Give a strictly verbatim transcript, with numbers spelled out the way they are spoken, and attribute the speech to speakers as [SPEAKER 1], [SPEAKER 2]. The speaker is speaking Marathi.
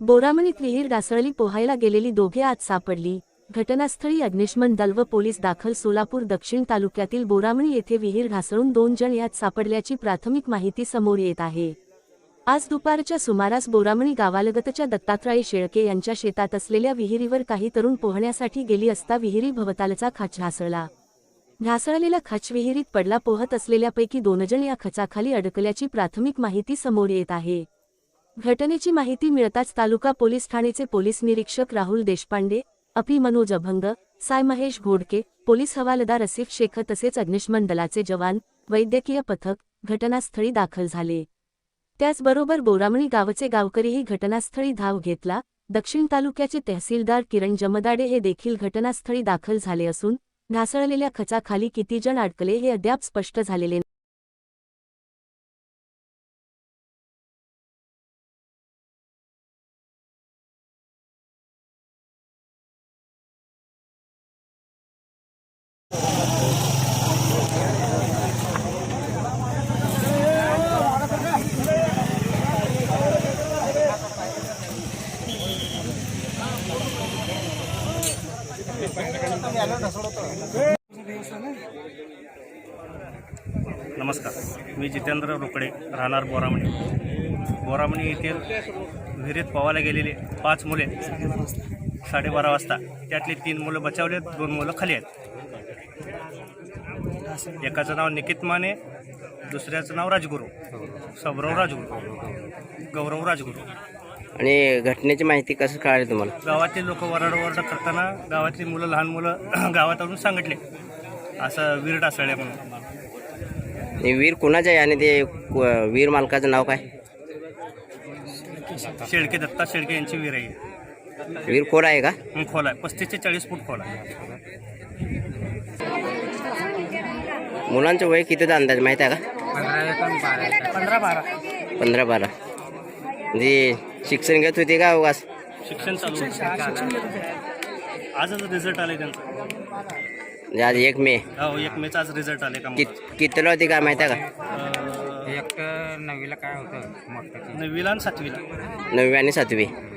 [SPEAKER 1] बोरामणीत विहीर ढासळली, पोहायला गेलेली दोघे आज सापडली. घटनास्थळी अग्निशमन दल व पोलीस दाखल. सोलापूर दक्षिण तालुक्यातील बोरामणी येथे विहीर ढासळून दोन जण यात सापडल्याची प्राथमिक माहिती समोर येत आहे. आज दुपारच्या सुमारास बोरामणी गावालगतच्या दत्तात्रय शेळके यांच्या शेतात असलेल्या विहिरीवर काही तरुण पोहण्यासाठी गेली असता विहिरी भोवतालचा खाच ढासळला. ढासळलेला खाच विहिरीत पडला. पोहत असलेल्यापैकी दोन जण या खचाखाली अडकल्याची प्राथमिक माहिती समोर येत आहे. घटनेची माहिती मिळताच तालुका पोलीस ठाणेचे पोलीस निरीक्षक राहुल देशपांडे, अपी मनोज अभंग, साय महेश घोडके, पोलीस हवालदार असिफ शेख तसेच अग्निशमन दलाचे जवान, वैद्यकीय पथक घटनास्थळी दाखल झाले. त्याचबरोबर बोरामणी गावचे गावकरीही घटनास्थळी धाव घेतला. दक्षिण तालुक्याचे तहसीलदार किरण जमदाडे हे देखील घटनास्थळी दाखल झाले असून ढासळलेल्या खचाखाली किती जण अडकले हे अद्याप स्पष्ट झालेले नाही.
[SPEAKER 2] नमस्कार, मी जितेंद्र रोकडे, राहणार बोरामणी. बोरामणी येथील विहिरीत पोहायला गेलेले पाच मुले साडेबारा वाजता, त्यातली तीन मुलं बचावले, दोन मुलं खाली आहेत. एकाचं नाव निकित माने, दुसऱ्याचं नाव राजगुरू, सबराव राजगुरू, गौरव राजगुरू.
[SPEAKER 3] आणि घटनेची माहिती कसं कळाली तुम्हाला?
[SPEAKER 2] गावातील लोक वरडवरड करताना गावातली मुलं, लहान मुलं गावात आणून सांगितले असं विहीर ढासळल्या म्हणून.
[SPEAKER 3] आणि वीर कुणाचं आहे आणि ते वीर मालकाचं नाव काय?
[SPEAKER 2] शेळके, दत्ता शेळके यांची विहीर आहे.
[SPEAKER 3] वीर खोल आहे का?
[SPEAKER 2] खोल आहे, पस्तीस ते चाळीस फूट खोल आहे.
[SPEAKER 3] मुलांचं वय कितीचा अंदाज माहिती आहे का?
[SPEAKER 2] पंधरा बारा
[SPEAKER 3] पंधरा बारा म्हणजे शिक्षण घेत होते का? उगाच
[SPEAKER 2] शिक्षण चालू होतं. आजच रिझल्ट आले त्यांचा.
[SPEAKER 3] म्हणजे आज एक मे
[SPEAKER 2] हो, एक मेचा आज रिझल्ट आले का?
[SPEAKER 3] कित कितीला होती काय माहिती आहे का?
[SPEAKER 2] अं,
[SPEAKER 4] एक नववीला काय होतं मोठं
[SPEAKER 2] नववीला आणि सातवीला.
[SPEAKER 3] नववी आणि सातवी.